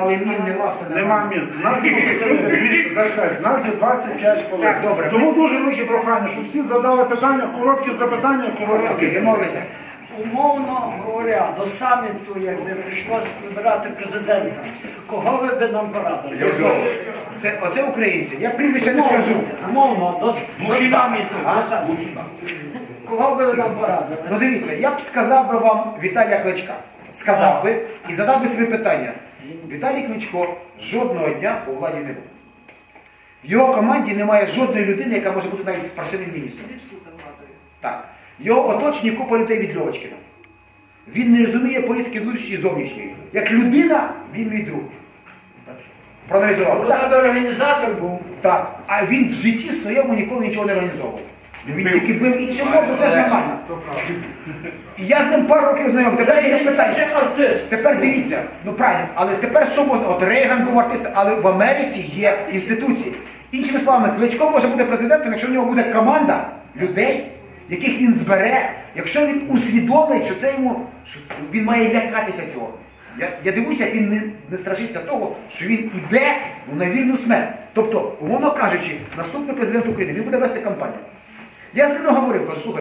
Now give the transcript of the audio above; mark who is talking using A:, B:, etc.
A: але мін нема, все
B: Нема мін. У нас є 25 колег.
A: Так, добре.
B: Тому дуже велике прохання, щоб всі задали питання, короткі запитання, короткі
A: Окей,
B: відповіді.
A: домовилися.
C: Умовно говоря, до саміту, якби прийшлося вибирати президента, кого ви би нам порадили?
A: Оце українці. Я прізвище не скажу.
C: Умовно, до саміту. Кого би ви нам порадили?
A: Ну дивіться, я б сказав би вам Віталія Кличка. Сказав би і задав би собі питання. Віталій Кличко жодного дня у владі не був. В його команді немає жодної людини, яка може бути навіть спаршивим міністром. Так. Його оточені купа людей від Льовочкина. Він не розуміє політики внутрішньої і зовнішньої. Як людина, він мій друг. Проаналізував.
C: Вона би організатор був.
A: Так. А він в житті своєму ніколи нічого не організовував. Він тільки бив іншим мову, теж нормально. І я з ним пару років знайомий. Тепер є питання.
C: Це артист.
A: Тепер дивіться, ну правильно, але тепер що можна? От Рейган був артистом, але в Америці є інституції. Іншими словами, Кличко може бути президентом, якщо в нього буде команда людей, яких він збере, якщо він усвідомить, що це йому, що він має лякатися цього. Я дивуюся, як він не страшиться того, що він іде на вільну смерть. Тобто, умовно кажучи, наступний президент України, він буде вести кампанію. Я з ним говорив, кажу, слухай,